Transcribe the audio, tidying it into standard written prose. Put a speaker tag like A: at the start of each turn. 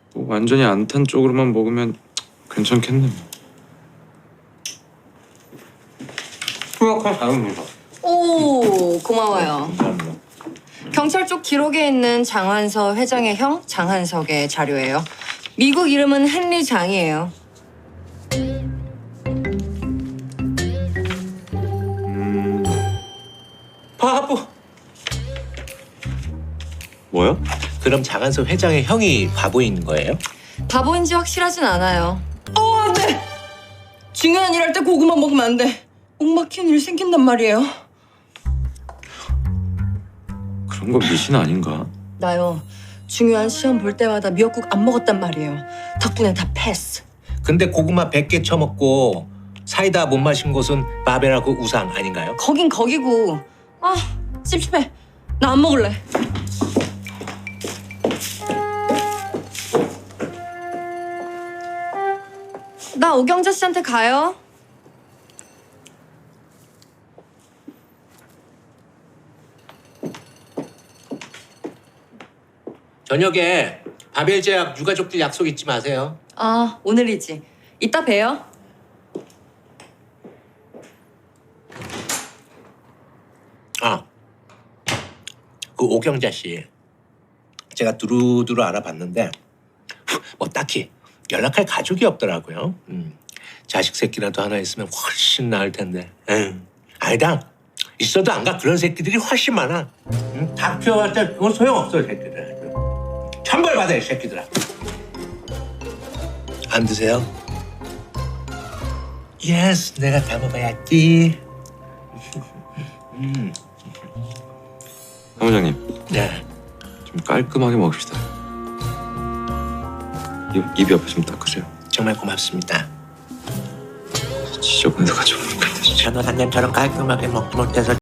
A: 뭐 완전히 안 탄 쪽으로만 먹으면 괜찮겠네. 후약한 다음입니다.
B: 오, 고마워요.
A: 감사합니다.
B: 경찰 쪽 기록에 있는 장한서 회장의 형 장한석의 자료예요. 미국 이름은 헨리 장이에요.
C: 바보.
A: 뭐야?
C: 그럼 장한석 회장의 형이 바보인 거예요?
B: 바보인지 확실하진 않아요. 안 돼! 중요한 일 할 때 고구마 먹으면 안 돼. 옥 막히는 일 생긴단 말이에요.
A: 그런 거 미신 아닌가?
B: 나요. 중요한 시험 볼 때마다 미역국 안 먹었단 말이에요. 덕분에 다 패스.
C: 근데 고구마 100개 처먹고 사이다 못 마신 곳은 바벨하고 우상 아닌가요?
B: 거긴 거기고. 아, 찝찝해. 나 안 먹을래. 나 오경자 씨한테 가요.
C: 저녁에 바벨 제약 유가족들 약속 잊지 마세요.
B: 아, 오늘이지. 이따 봬요.
C: 아, 그 오경자 씨 제가 두루두루 알아봤는데 뭐 딱히 연락할 가족이 없더라고요. 자식 새끼라도 하나 있으면 훨씬 나을 텐데. 아니다. 있어도 안 가. 그런 새끼들이 훨씬 많아. 다 키워봤자 그건 소용없어, 새끼들. 천벌 받아, 이 새끼들아. 안 드세요? 예스, 내가 다 먹어야지.
A: 사무장님,
C: 네.
A: 좀 깔끔하게 먹읍시다. 입 옆에 좀 닦으세요.
C: 정말 고맙습니다.
A: 지저분해서 가지고 못 간다.
C: 저는 한 년처럼 깔끔하게 먹지 못해서